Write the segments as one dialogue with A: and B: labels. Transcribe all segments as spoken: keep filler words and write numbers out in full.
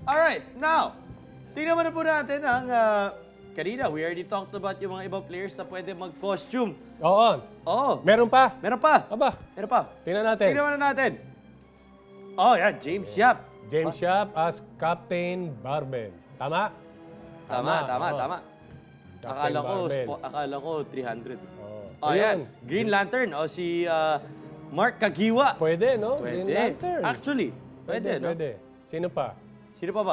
A: Alright, now, tingnan mo na po natin ang... Uh, kanina, we already talked about yung mga ibang players na pwede mag-costume.
B: Oo.
A: Oo.
B: Meron pa.
A: Meron pa.
B: Aba.
A: Meron pa.
B: Tingnan natin.
A: Tingnan mo na natin. Oh, yan. James Yap.
B: James Yap as Captain Barbell. Tama?
A: Tama, tama,
B: Oo.
A: tama.
B: Captain
A: Akala ko,
B: Barbell.
A: spo- akala ko three hundred.
B: Oo.
A: Oh, yan.
B: Ayun.
A: Green Lantern. O si uh, Mark Kagiwa.
B: Pwede, no?
A: Pwede.
B: Green Lantern.
A: Actually, pwede, no?
B: Pwede. Sino pa?
A: Sino pa ba?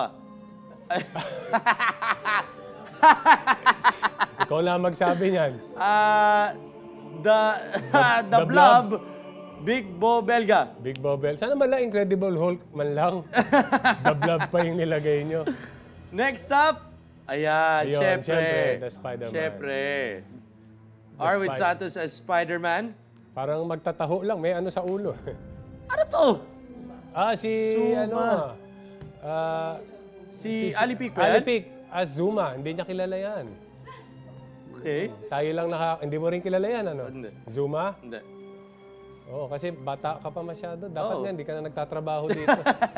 B: Ikaw lang magsabi niyan.
A: Ah, the, the,
B: the
A: Blob, Big Bo Belga.
B: Big Bobel. Sana man lang Incredible Hulk man lang. The Blob pa yung nilagay nyo.
A: Next up, ayan,
B: Ayun,
A: syempre.
B: syempre, the Spider-Man.
A: Syempre.
B: The
A: Arwin
B: Spider-
A: Santos as Spider-Man.
B: Parang magtataho lang. May ano sa ulo.
A: Ano to?
B: ah, si
A: Zuma.
B: ano... ah,
A: Si, Ali Pic ba yan?
B: Ali Pic as Zuma. Hindi niya kilala yan.
A: Okay.
B: Tayo lang naka... Hindi mo rin kilala yan, ano?
A: Hindi.
B: Zuma?
A: Hindi.
B: Oo, kasi bata ka pa masyado. Dapat
A: Oo.
B: nga, hindi ka na nagtatrabaho dito.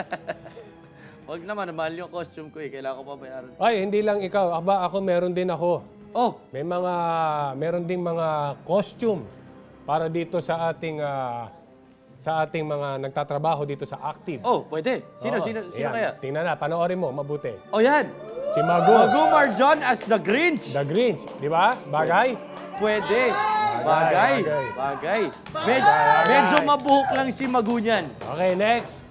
A: Huwag naman, mahal yung costume ko eh. Kailangan ko pa bayaran.
B: Ay, hindi lang ikaw. Aba, ako meron din ako.
A: Oh,
B: May mga... Meron ding mga costume para dito sa ating... ah, sa ating mga nagtatrabaho dito sa Active.
A: oh, pwede. Sino,
B: Oo,
A: sino, sino
B: ayan.
A: kaya?
B: Tingnan na, panoorin mo, mabuti.
A: Oh, yan.
B: Si Magu.
A: Magumar John as the Grinch.
B: The Grinch, di ba? Bagay?
A: Pwede.
B: Bagay,
A: Bagay.
B: bagay.
A: Bagay. Med-
B: Bagay.
A: medyo mabuhok lang si Magu niyan.
B: Okay, next.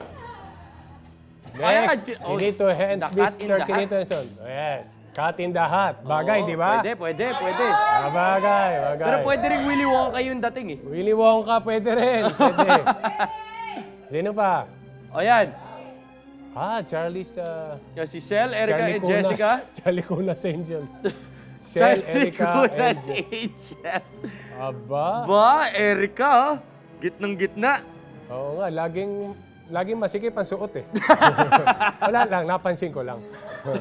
A: Ayan,
B: Next,
A: oh,
B: Kinito Hens,
A: the cat in
B: Mister
A: the hat.
B: Kinito Henson. Yes, Cat in the Hat. Bagay,
A: Oo,
B: di ba?
A: Pwede, pwede, pwede.
B: Ah, bagay, bagay.
A: Pero pwede rin Willy Wonka yung dating eh.
B: Willy Wonka, pwede rin. Pwede. Sino pa?
A: O yan.
B: Ah, Charlie's... Uh,
A: Yung si Sel, Erica,
B: Charlie
A: and
B: Cunas,
A: Jessica.
B: Charlie Cunas Angels. Sel,
A: Charlie
B: Erica,
A: Cunas
B: and...
A: Angels.
B: Aba.
A: Ba, Erica, oh. Gitnang gitna.
B: Oo nga, laging... Laging masikip ang suot eh. Wala lang, napansin ko lang.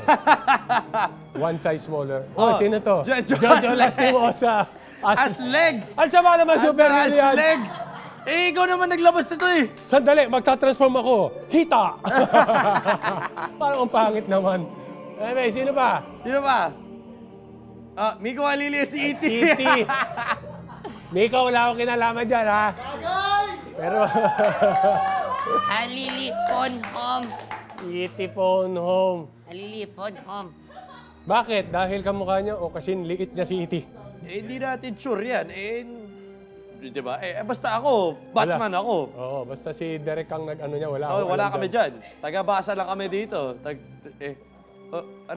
B: One size smaller. Oh,
A: Oh,
B: sino to?
A: Jo- Jo-
B: Jojo Lastimosa.
A: As legs.
B: Ang sama naman
A: As,
B: super
A: as
B: yan.
A: legs. Eh, ikaw naman naglabas nito eh.
B: Sandali, magta-transform ako. Hita! Parang ang pangit naman. Anyway, sino ba?
A: Sino ba? Ah, Miko Alili si E T.
B: E T. Mika, wala akong kinalaman dyan, ha? Pero...
C: Alili phone home.
B: E T phone home.
C: Alili phone home.
B: Bakit? Dahil kamukha niya o kasi liit niya si E T?
A: Eh, hindi natin sure yan. Eh, di ba? Eh, basta ako, Batman
B: Wala.
A: ako.
B: Oo, basta si Derek ang nag-ano niya, wala.
A: Oh,
B: akong
A: wala
B: alam
A: kami
B: dyan.
A: dyan. Taga-basa lang kami dito. Tag, eh, oh,